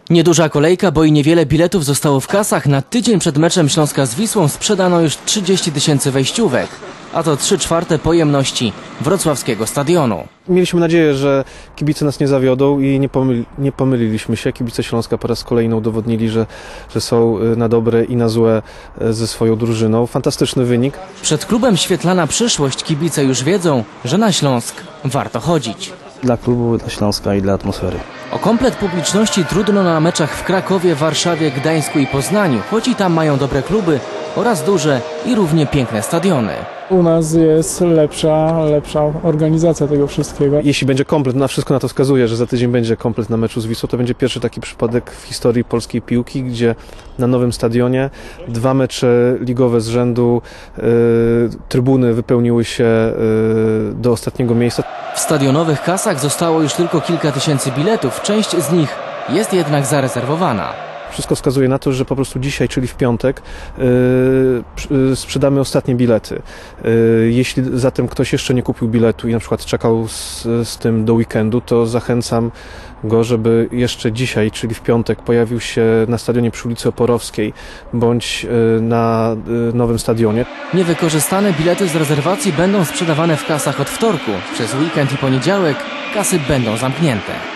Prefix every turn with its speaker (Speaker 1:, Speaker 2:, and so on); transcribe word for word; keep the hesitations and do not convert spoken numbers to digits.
Speaker 1: Nieduża kolejka, bo i niewiele biletów zostało w kasach. Na tydzień przed meczem Śląska z Wisłą sprzedano już trzydzieści tysięcy wejściówek, a to trzy czwarte pojemności wrocławskiego stadionu.
Speaker 2: Mieliśmy nadzieję, że kibice nas nie zawiodą i nie, pomyli, nie pomyliliśmy się. Kibice Śląska po raz kolejny udowodnili, że, że są na dobre i na złe ze swoją drużyną. Fantastyczny wynik.
Speaker 1: Przed klubem świetlana przyszłość. Kibice już wiedzą, że na Śląsk warto chodzić.
Speaker 3: Dla klubu, dla Śląska i dla atmosfery.
Speaker 1: O komplet publiczności trudno na meczach w Krakowie, Warszawie, Gdańsku i Poznaniu, choć i tam mają dobre kluby oraz duże i równie piękne stadiony.
Speaker 4: U nas jest lepsza, lepsza organizacja tego wszystkiego.
Speaker 2: Jeśli będzie komplet, na wszystko na to wskazuje, że za tydzień będzie komplet na meczu z Wisłą, to będzie pierwszy taki przypadek w historii polskiej piłki, gdzie na nowym stadionie dwa mecze ligowe z rzędu, yy, trybuny wypełniły się yy, do ostatniego miejsca.
Speaker 1: W stadionowych kasach zostało już tylko kilka tysięcy biletów, część z nich jest jednak zarezerwowana.
Speaker 2: Wszystko wskazuje na to, że po prostu dzisiaj, czyli w piątek, yy, sprzedamy ostatnie bilety. Yy, jeśli zatem ktoś jeszcze nie kupił biletu i na przykład czekał z, z tym do weekendu, to zachęcam go, żeby jeszcze dzisiaj, czyli w piątek, pojawił się na stadionie przy ulicy Oporowskiej bądź yy, na yy, nowym stadionie.
Speaker 1: Niewykorzystane bilety z rezerwacji będą sprzedawane w kasach od wtorku. Przez weekend i poniedziałek kasy będą zamknięte.